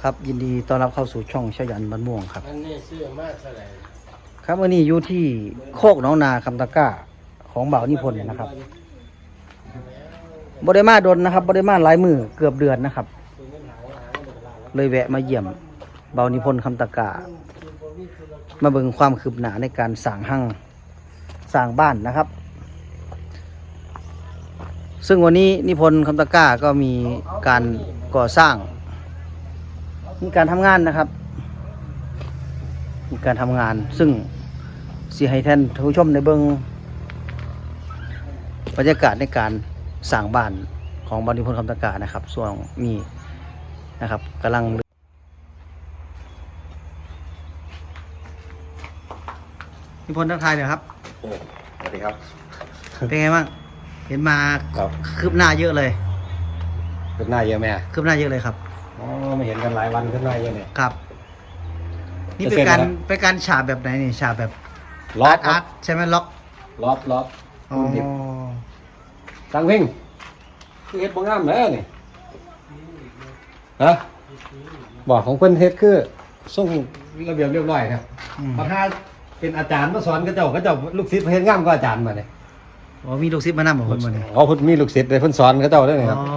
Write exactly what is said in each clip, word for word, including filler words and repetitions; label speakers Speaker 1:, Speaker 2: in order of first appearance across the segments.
Speaker 1: ครับยินดีต้อนรับเข้าสู่ช่องชยันบ้านม่วงครับ
Speaker 2: อันนี้ซื้อมาเท่าไหร่
Speaker 1: ครับวันนี้อยู่ที่โคกหนองนาคำตะกร้าของบ่าวนิพนธ์นะครับบริมาดนนะครับบริมาหลายมือเกือบเดือนนะครับเลยแวะมาเยี่ยมบ่าวนิพนธ์คำตะกร้ามาเบิ่งความคืบหน้าในการสร้างหั่งสร้างบ้านนะครับ ซึ่งวันนี้นิพนธ์คำตะกร้าก็มีการก่อสร้างมีการทำงานนะครับมีการทำงานซึ่งสิให้ท่านผู้ชมในเบื้องบรรยากาศในการสร้างบ้านของบ่าวนิพนธ์คำตะกร้านะครับส่วนนี้นะครับกำลังนิพนธ์ทักทายหน่อยครับ
Speaker 3: สวัสดีครับ
Speaker 1: เป็นไงบ้างเห็นมา
Speaker 3: ครับ
Speaker 1: คืบหน้าเยอะเลย
Speaker 3: ขึ้นหน้าเยอะไหม
Speaker 1: คืบหน้าเยอะเลยครับ
Speaker 3: อ๋อไม่เห็นกันหลายวันขึ้นหน้าเยอะเนี่ย
Speaker 1: ครับนี่เป็นการเป็นการฉาบแบบไหนนี่ฉาบแบบ
Speaker 3: ล็อก
Speaker 1: อาร์ตใช่ไหมล็อก
Speaker 3: ล็อกล็อก
Speaker 1: อ๋อ
Speaker 3: ตังเพ่งคือเฮ็ดบ่งามแล้วนี่ฮะบอกของเพิ่นเฮ็ดคือส่งระเบียบเรียบร้อยครับบางท่าเป็นอาจารย์มาสอนก็เจ้าก็เจ้าลูกศิษย์เฮ็ดงามกว่าอาจารย์มาเนี่ย
Speaker 1: อ๋อมีลูกศิษย์มานำของเพิ่นบ่นี่
Speaker 3: อ๋อเพิ่นมีลูกศิษย์เลยเพิ่นสอนก็เจ้าได้นี่ครับ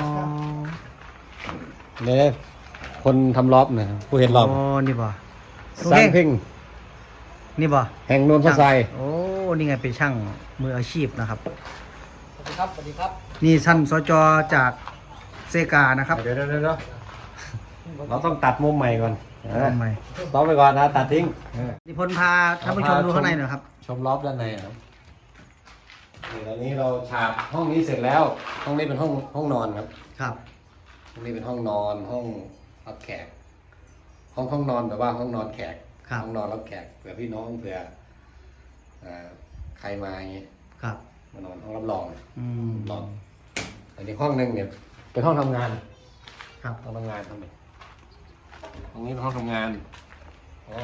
Speaker 3: เนี่ยคนทำรอบเนี่ยผู้เฮ็ดรอบ
Speaker 1: อ๋อนี่บ่
Speaker 3: สร้างเพ่ง
Speaker 1: นี่บ่
Speaker 3: แห่งโนนพระไซ
Speaker 1: โอ้นี่ไงเป็นช่างมืออาชีพนะครับ
Speaker 2: สวัสดีครับสวัสดีครับ
Speaker 1: นี่ท่านสจจากเซกานะครับ
Speaker 3: เดี๋ยวเดี๋ยวเดี๋ยวเราต้องตัดมุมใหม่ก่อน
Speaker 1: ทำไม
Speaker 3: ต้องไปก่อนนะตัดทิ้ง
Speaker 1: นิพนธ์พาท่านผู้ชมดูข้างในหน่อยครับ
Speaker 3: ชมรอบด้านในครับนี่ตอนนี้เราฉาบห้องนี้เสร็จแล้วห้องนี้เป็นห้องห้องนอนครับ
Speaker 1: ครับ
Speaker 3: ห้องนี้เป็นห้องนอนห้องรับแขกห้องห้องนอนแบบว่าห้องนอนแขกห้องนอนรับแขกเผื่อพี่น้องเผื่อใครมาอย่างนี้
Speaker 1: ครับ
Speaker 3: มานอนห้องรับรอง
Speaker 1: อืม
Speaker 3: นอนอันนี้ห้องหนึ่งเนี่ยเป็นห้องทำงาน
Speaker 1: ครับ
Speaker 3: ห้องทำงานทำไมห้องนี้เป็นห้องทำงานอ๋อ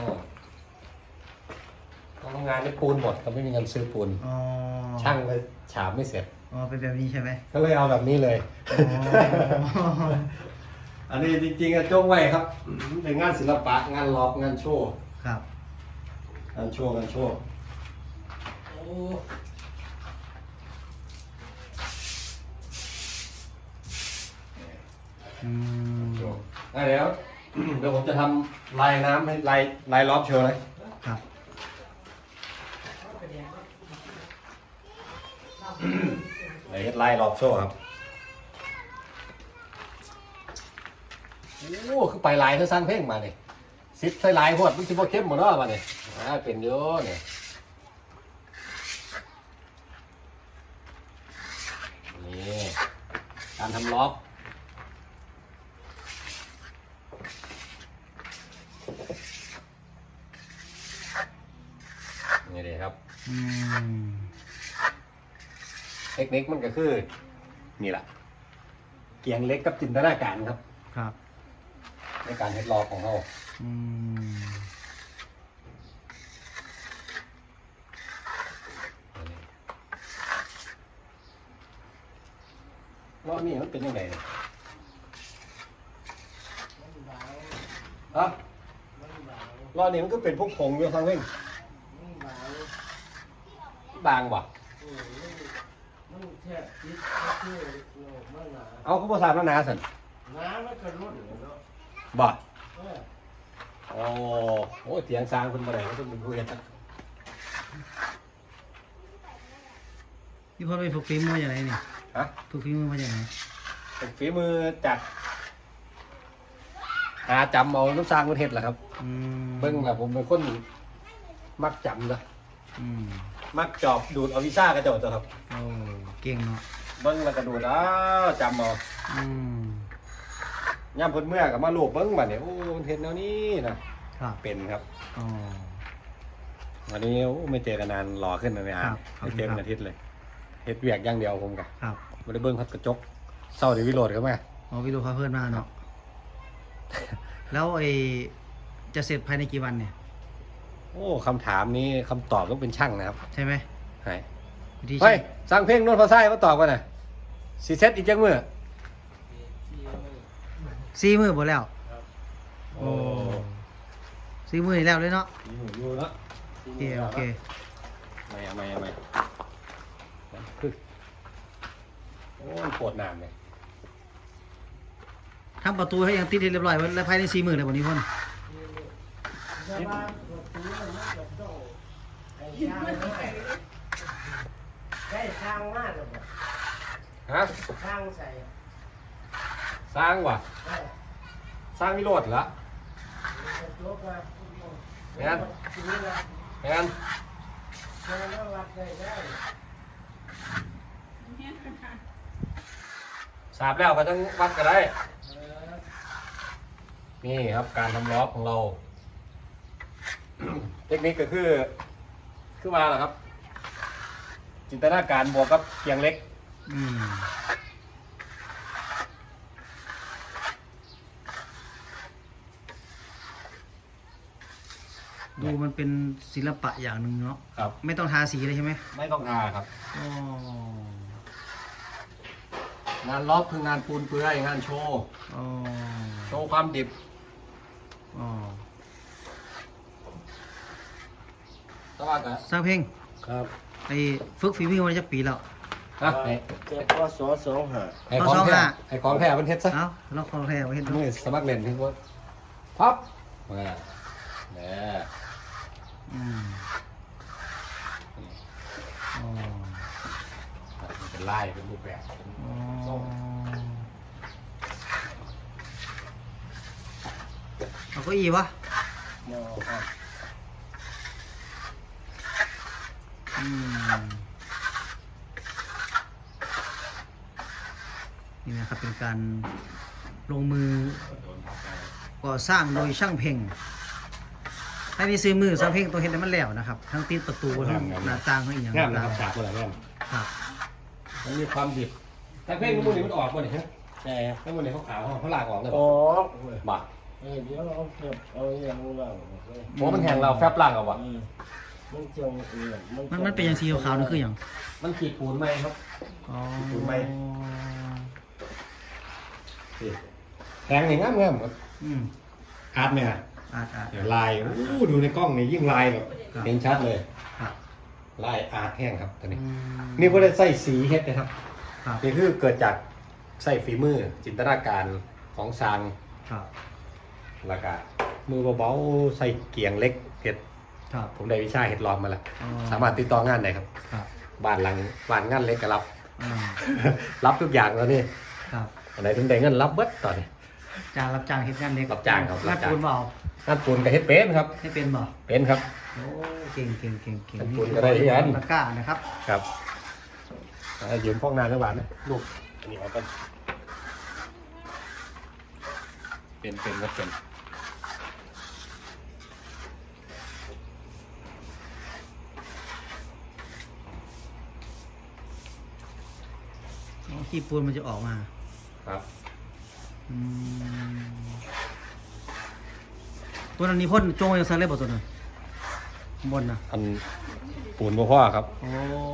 Speaker 3: ห้องทำงานนี่ปูนหมดเขาไม่มีเงินซื้อปูนช่างเลยฉาบไม่เสร็จ
Speaker 1: อ๋อเป็นแบบนี้ใช่ไหม
Speaker 3: ก็เลยเอาแบบนี้เลยอันนี้จริงๆอะจงไว้ครับเป็นงานศิลปะงานล็อกงานโชว์
Speaker 1: ครับ
Speaker 3: งานโชว์งานโชว์โอ้
Speaker 1: อืม
Speaker 3: เดี๋ยวเดี๋ยวผมจะทำลายน้ำให้ลายลายล้อมโชว์เลย
Speaker 1: ครับ
Speaker 3: ลายลายล้อมโชว์ครับโอ้คือไปลายเธอสร้างเพลงมาเนี่ยซิปใส่ลายหวดมันซิปเข้มหมดแล้วมาเนี่ยอ่าเป็นเยอะเนี่ยนี่การทำล็อกนี่เลยครับเทคนิคมันก็คือนี่แหละเกียงเล็กกับจินตนาการครับ
Speaker 1: ครับ
Speaker 3: ในการเฮ็ดล็อกของเราล้อนี่มันเป็นยังไงเนี่ยอะล้อนี่มันก็เป็นพวกผงอยู่ทางเว้งบางว่ะเอาเขาภาษาหนาสัน
Speaker 2: น้ำมันกระรุ่น
Speaker 3: บ่โอ้โหเถียงสร้างคนมาไหนก็ต้องเป็นผู้เฮ็ดนะ
Speaker 1: พี่พ่อไปฝึกฝีมือมาจากไหนนี่
Speaker 3: ฮะ
Speaker 1: ฝึกฝีมือมาจากไหน
Speaker 3: ฝึกฝีมือจากหาจำเอาน้ำสร้างประเทศแหละครับเบิ้งแหละผมเป็นคนมักจำนะมักจอบดูดเอาวิซ่ากระโดดตัวครับ
Speaker 1: โอ้เก่งเนาะ
Speaker 3: เบิ้งแล้วกระดูดอ้าวจำเอาย่ำพ้นเมื่อกับมาลูบเบิ้งแบบนี้โอ้เห็นแล้วนี่นะเป็นครับวันนี้ไม่เจอกันนานหล่อขึ้นเลยอ่ะไม่เจอกันอาทิตย์เลยเฮ็ดเวียกอย่างเดียวผมกันไม่ได้เบิ้งพัดกระจกเศร้าเดี๋ยววิโรดเขาไหม
Speaker 1: อ๋อวิโรดเขาเพิ่มมาเนาะแล้วไอจะเสร็จภายในกี่วันเนี่ย
Speaker 3: โอ้คำถามนี้คำตอบต้องเป็นช่างนะครับ
Speaker 1: ใช่ไหม
Speaker 3: ใช่เฮ้ยสร้างเพลงโน้ตพอไส้มาตอบกันหน่อยสีเซตอีกจังมือ
Speaker 1: สี่มือหมดแล้วโอ้ซีมือนี่แล้วเลยเนาะ
Speaker 3: อยู่อยู่เนาะ
Speaker 1: โอเคโอเค
Speaker 3: ไม่เอาไม่เอาไม่คือโอ้ยปวดน้ำเลย
Speaker 1: ทำประตูให้ยังติดให้เรียบร้อยไว้แล้วภายในสี่มือเลยวันนี้พ่น
Speaker 2: แต่ว่าประตูมันจะต้องไอ้ยางมากได้สร้างมากหรือเปล่า
Speaker 3: ฮะ
Speaker 2: สร้างใส่
Speaker 3: สร้างว่ะ
Speaker 2: ได้
Speaker 3: สร้างวิโรจน์เหรอ
Speaker 2: จะจบมา
Speaker 3: แม่น
Speaker 2: ทีนี้ละ
Speaker 3: แอน
Speaker 2: เจอแล้ววัดได้ได้
Speaker 3: สาบแล้วก็ต้องวัดก็ได้
Speaker 2: เออ
Speaker 3: นี่ครับการทำล้อของเรา เทคนิคก็คือ คือมาแล้วครับ จินตนาการบวกกับเกียงเล็ก
Speaker 1: อืมดูมันเป็นศิลปะอย่างหนึ่งเนาะ
Speaker 3: ครับ
Speaker 1: ไม่ต้องทาสีเลยใช่ไหม
Speaker 3: ไม่ต้องทาครับ
Speaker 1: อ๋อง
Speaker 3: านล้อคืองานปูนเปื่อยงานโชว์
Speaker 1: อ๋อ
Speaker 3: โชว์ความดิบ
Speaker 1: อ๋อ
Speaker 3: สวัสดี
Speaker 1: สร้างเพลง
Speaker 3: ครับ
Speaker 1: ไอ้ฝึกฝีมือมาจะปีแล้ว
Speaker 3: ฮะไอ้
Speaker 2: เจ็บพอสอสองหา
Speaker 3: ไอ้ของ
Speaker 1: เอาสอง
Speaker 3: แท้
Speaker 1: ห้า
Speaker 3: ไอ้ของแท้เป็นเท็ดซะ
Speaker 1: เอ้าเราคอแท้ไว้เห็น
Speaker 3: มือสมัครเล่นที่ว่าพับมาเนี่ย
Speaker 1: อืมอ๋อ
Speaker 3: มันเป็นลายเป็นรูปแบบเป็น
Speaker 1: อ๋อ
Speaker 3: ทรง
Speaker 1: เอาเก็อีวะ
Speaker 2: โม่ครับ
Speaker 1: อืมนี่นะครับเป็นการลงมือ
Speaker 3: โดนทับไป
Speaker 1: ก่อสร้างโดยช่างเพ่งให้มีซื้อมือช่างเพ่งตัวเห็นให้มันแล้วนะครับ ทั้งติดประตูทั้งหน้าต่างทั้งอีกอย่าง
Speaker 3: งามนะครับ
Speaker 1: ต่าง
Speaker 3: ฉากมันอะไรงาม
Speaker 1: ๆครับ
Speaker 3: มันมีความดิบแต่เพลงมันนี่มันออกมาเนี่ยฮะ
Speaker 2: แต่
Speaker 3: ถ้ามันเนี่ยเขาขาวเขาลากออกเลย
Speaker 2: อ๋อ
Speaker 3: บ่า
Speaker 2: เออเดี๋ยวเอาเก็บเอาอย่างนู้นแล้ว
Speaker 3: โอ้มันแหงเราแฟบล่างเอาบ่
Speaker 2: อืมมันจงเออ
Speaker 1: มันมันเป็นอย่างสีขาวๆนั่นคืออย่าง
Speaker 3: มันขีดปูนไหมครับ
Speaker 1: อ๋อ
Speaker 3: ถูกไหม แหงนี่งามงามครับ
Speaker 1: อืม
Speaker 3: อาร์ตไหมฮะ
Speaker 1: อาดอาด
Speaker 3: เดี๋ยวลายโอ้ดูในกล้องนี่ยิ่งลายแบบ
Speaker 1: ครับ
Speaker 3: เห็นชัดเลย
Speaker 1: ครับ
Speaker 3: ลายอาร์ตแห้งครับตอนนี้
Speaker 1: อืม
Speaker 3: นี่พวกได้ใส่สีเฮ็ดนะครับ
Speaker 1: ครับ
Speaker 3: นี่คือเกิดจากใส่ฝีมือจินตนาการของซาง
Speaker 1: ครับ
Speaker 3: แล้วก็มือเบาๆใส่เกียงเล็กเห็ด
Speaker 1: ครับ
Speaker 3: ผมได้วิชาเห็ดลอมมาแล้ว
Speaker 1: อ๋อ
Speaker 3: สามารถติดต่องานได้ครับ
Speaker 1: ครับ
Speaker 3: บ้านหลังบ้านงานเล็กก็รับ
Speaker 1: อ่า
Speaker 3: รับทุกอย่างแล้วนี่
Speaker 1: ครับ
Speaker 3: อันไหนถึงได้เงินรับเบิดตอนนี้
Speaker 1: จ้างรับจ้างเฮ็ดงานเล็ก
Speaker 3: รับจ้างครับรั
Speaker 1: รับบ
Speaker 3: จ้าง
Speaker 1: ปูนเปล่าง
Speaker 3: านปูนกับเฮ็ดเป็นครับ
Speaker 1: ให้เป็นบ่
Speaker 3: เป็นครับ
Speaker 1: โอ้เก่งเก่งเก่งเก่ง
Speaker 3: รับปูนก็ได้ที่อัน
Speaker 1: ตะกร้านะครับ
Speaker 3: ครับอ่ายืมพวกนานสักบาทนะลูกอันนี้เอาไปเป็นเป็นก็เป็น
Speaker 1: อ๋อขี้ปูนมันจะออกมา
Speaker 3: ครับ
Speaker 1: อืมตัวนั้นนี่พ่นจงไว้ยังซันเลยบ่ตัวนั้นข้างบนนะ
Speaker 3: อันปูนโมพ่อครับ
Speaker 1: โอ้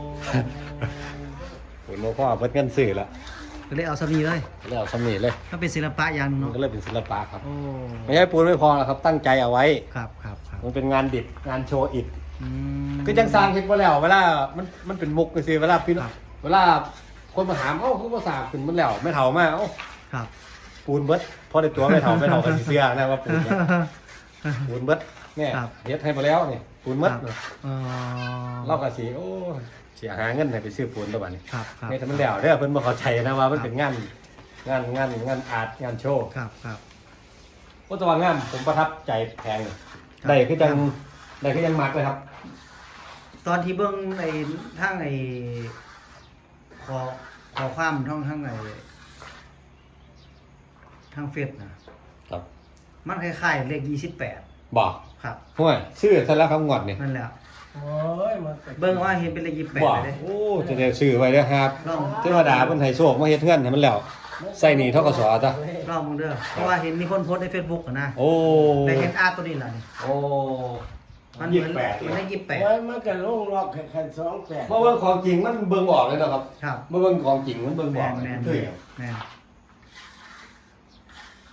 Speaker 3: ปูนโมพ่อเพิ่นเงินซื้อแล้ว
Speaker 1: ก็เลยเอาสามีเลย
Speaker 3: แล้วสำนีเลย
Speaker 1: ถ้าเป็นศิลปะอย่างหนึง
Speaker 3: มัน
Speaker 1: เนาะ
Speaker 3: ก็เลยเป็นศิลปะครับ
Speaker 1: โอ้
Speaker 3: ไม่ใช่ปูนไม่พอหรอกครับ ตั้งใจเอาไว้
Speaker 1: ครับครับครับ
Speaker 3: มันเป็นงานดิบงานโชว์อิฐ
Speaker 1: อืม
Speaker 3: คือจังสร้างคิดว่าแล้ว เวลามันมันเป็นมุกก็คือเวลาพี่น้อง
Speaker 1: ครับ
Speaker 3: เวลาคนมาถามเอ้าคือภาษาขึ้นมันแล้วไม่เท่ามากเอ้า
Speaker 1: ครับ
Speaker 3: ปูนเบิดพอได้ตัวไม่เท่าไม่เท่ากันสิเสื้อนะว่าปูนเนี่ยปูนเบิดเนี่ย
Speaker 1: ครับ
Speaker 3: เฮ็ดให้มาแล้วนี่ปูนเบิด
Speaker 1: ครับอ๋อ
Speaker 3: เล่ากับสีโอ้เสียหาเงินให้ไปซื้อปูนตัวบัดนี้
Speaker 1: ครับครับ
Speaker 3: เนี่ยถ้ามันแล้วเด้อเพิ่นบ่เข้าใจนะว่ามันเป็นงานงานงานงานอาร์ตงานโชว์
Speaker 1: ครับครับ
Speaker 3: ก็ตัวงามผมประทับใจแพงเลย
Speaker 1: ครับ
Speaker 3: ได้คือจังได้คือยังมักเลยครับ
Speaker 1: ตอนที่เบื้องไอ้ทั้งไอ้ขอขอความท่องทั้งไอ้ทั้งเฟซนะครับ มันคล้ายๆเลขยี่สิบแปด
Speaker 3: บอก
Speaker 1: ครับ
Speaker 3: ห่วยชื่อซะแล้วคำงอดนี่
Speaker 1: นั่นแหละ
Speaker 2: โอ้ยมันก็
Speaker 1: เบิ่งว่าเห็นเป็นเลขยี่สิบแปด
Speaker 3: บอก
Speaker 1: เลยเด้
Speaker 3: โอ้จะได้ซื้อไว้เด้อครับ
Speaker 1: ลอง
Speaker 3: เทวดาเพิ่นให้โชคมาเฮ็ดเงินให้มันแล้วใส่หนี้ทกสจ้ะ
Speaker 1: ลองมึงเด้อเพราะว่าเห็นมีคนโพสต์ใน Facebook อะนะ
Speaker 3: โอ้
Speaker 1: ได้เห็นอาร์ตตัวนี้ล่ะนี่
Speaker 3: โอ้
Speaker 1: มันเห
Speaker 3: ยี่
Speaker 1: มื
Speaker 3: สิ
Speaker 1: อน
Speaker 3: บแปด
Speaker 1: มันได้ยี่สิบแปด
Speaker 2: โอ้ยมันก็ลงล็อกแค่แค่สองแปด
Speaker 3: เพราะว่าของจริงมันเบิ่งออกเลยนะครับ
Speaker 1: ครับ
Speaker 3: เมื่อเบิ่งของจริงมันเบิ่ง
Speaker 1: แม
Speaker 3: ออก
Speaker 1: น
Speaker 3: เลย
Speaker 1: แมน
Speaker 3: คือ
Speaker 1: แมน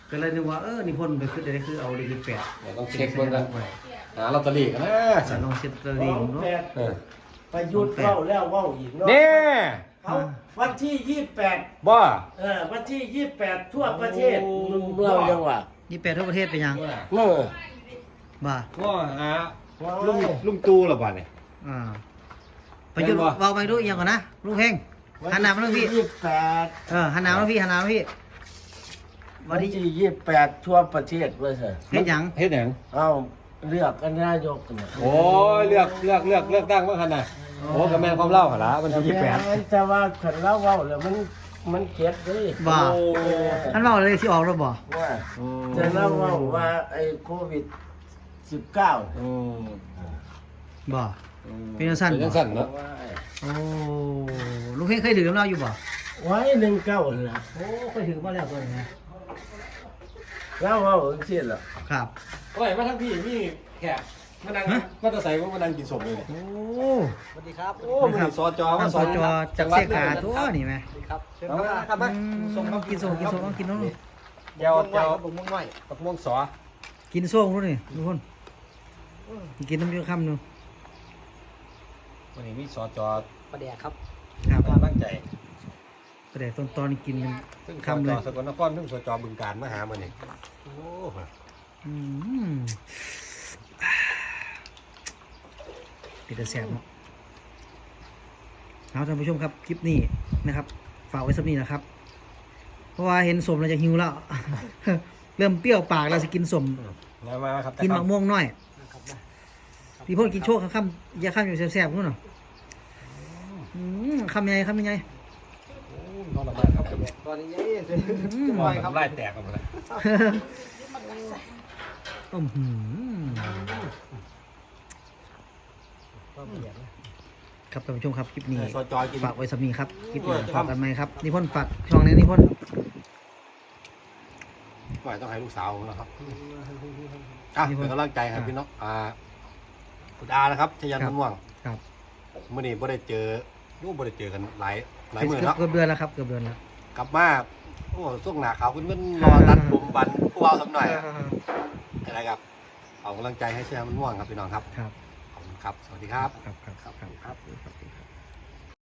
Speaker 1: ก็เลยนึกว่าเออนิพนธ์ไปขึ้นได้คือเอาเลขแปด
Speaker 3: เดี๋ยวต้องเช็คเบิ่งกันหาลอตเตอรี่กันนะ
Speaker 1: จะลองเช็ดตะลีเนาะ
Speaker 2: แปด
Speaker 3: เออ
Speaker 2: ประยุทธ์เข้าแล้วเว้าอีกเนาะ
Speaker 3: นี่
Speaker 2: เขาวันที่ยี่สิบแปด
Speaker 3: บ่
Speaker 2: เออวันที่ยี่สิบแปดทั่วประเทศ
Speaker 3: โอ้
Speaker 2: เมืองจังหวัด
Speaker 1: ยี่แปดทั่วประเทศเป็นยัง
Speaker 2: เออ
Speaker 1: บ่า
Speaker 3: ว่าหา
Speaker 2: ว้าว
Speaker 3: ลุงลุงตู่ละบ่เนี่ย
Speaker 1: อ่าประยุทธ์
Speaker 3: แม่นบ่
Speaker 1: เบาไปดูอีกอย่างก่อนนะลุงเพ่งหันหน้ามาทางพี่
Speaker 2: ยี่สิบแปด
Speaker 1: เออหันหน้ามาทางพี่หันหน้ามาทางพี่
Speaker 2: วั
Speaker 1: วัน น
Speaker 2: ที่
Speaker 1: ที่
Speaker 2: ยี่สิบแปดทั่วประเทศเว้ยเถอะ
Speaker 1: เฮ็ดหยัง
Speaker 3: เฮ็ดหยัง
Speaker 2: เอ้าเลือกกันนายกเนี่ย
Speaker 3: โอ้ยเลือกเลือกเลือกเลือกตั้งว่าคั่นน่ะโอ้ก็แม่นความเล่าหั่นล่ะวันที่ยี่สิบแปด
Speaker 2: ม่นแต่ว่าขันเล่าเว้าแล้วมันมันเก็ดเด้
Speaker 1: บ่า
Speaker 3: โอ้
Speaker 1: ท่านเบาเลยที่ออกแล้วบ่
Speaker 2: ว่าแต่เล่าเว้าว่าไอ้โควิดสิบเก้า
Speaker 3: อืม
Speaker 1: บ่ เป็นจังซั่น
Speaker 3: เป็นจังซั่นเนาะ
Speaker 2: ว่า
Speaker 1: โอ้ลุงเพ่งเคยดื่มเหล้าอยู่บ่
Speaker 2: ไว้หนึ่งเก้าน่ะ
Speaker 1: โอ้เคยดื่มมาแล้วตัวนี้นะ
Speaker 2: เล่าเว้าจังซี่ล่ะ
Speaker 1: ครับ
Speaker 3: โอ้ยมาทั้งพี่มีแขกมานั่งมาตะใส่ว่ามานั่งกินสมเลยเนี่ย
Speaker 1: โอ้
Speaker 3: สวัสดีครับโอ้มื้อนี้สจ
Speaker 1: ท่า
Speaker 3: มา
Speaker 1: น
Speaker 3: ส
Speaker 1: ส
Speaker 3: อน
Speaker 1: จจากเสขาตัวนี่ไหม
Speaker 3: ครับเชิญมาครับมา
Speaker 1: อืมกินส้มกินส้มต้องกินน้อง
Speaker 3: เจ้าเจ้าบักม่วงน้อยบักม่วงสอ
Speaker 1: กินส้มรู้นี่ทุกคนกินน้ำเยอะคำหนึง
Speaker 3: วันนี้มีสจ
Speaker 4: ประเดี๋ยวครับ
Speaker 1: ครับ
Speaker 3: มาตั้งใจ
Speaker 1: แต่ตอนตอนกิน
Speaker 3: ซึ่งส
Speaker 1: คำ
Speaker 3: จ
Speaker 1: เลย
Speaker 3: สกลนครซึ่งสจบึงการมาหามื้อนี้โอ้
Speaker 1: อืมปิดแต่แสบเนาะเอาท่านผู้ชมครับคลิปนี้นะครับ ฝากไว้สักนี้นะครับ เพราะว่าเห็นสมเราจะหิวแล้ว เริ่มเปรี้ยวปากเราจะกินสม
Speaker 3: มามาครับ
Speaker 1: กินมะม่วงน้อยพี่พ่นกินโชคคำอยาข้ามอยู่แซ่บๆนู่นเนาะอืมคำยังไงคำยังไง
Speaker 3: นอนละมากครับ
Speaker 4: ตอนนี้ยัง
Speaker 1: อืม
Speaker 3: นอนครับไล่แตกกันหมดเลย
Speaker 1: อืมหืมครับท่านผู้ชมครับคลิปนี้
Speaker 3: สจกิน
Speaker 1: ฝากไว้สำนีครับคลิปนี้
Speaker 3: ด้วยครับ
Speaker 1: ฝากกันไหมครับนิพนธ์ฝากช่องนี้นิพนธ์
Speaker 3: ปล่อยต้องให้ลูกสาวผมนะครับอ่ะเป็นกำลังใจให้พี่น้องอ่าคุณอานะครับชยันม่วง
Speaker 1: ครับ
Speaker 3: เมื่อนี้บ่ได้เจอรูปบ่ได้เจอกันหลายหลายมื้อเนาะ
Speaker 1: เกือบเดือนแล้วครับเกือบเดือนแล้ว
Speaker 3: กลับมาโอ้ช่วงหน้าขาวขึ้นมันรอตัดผมบันผู้เอาสักหน่อยอะไรครับเอากำลังใจให้ชยันม่วงครับพี่น้องครับ
Speaker 1: ครับ
Speaker 3: ขอบคุณครับ สวัสดีครับ
Speaker 1: ครับครับครับครับ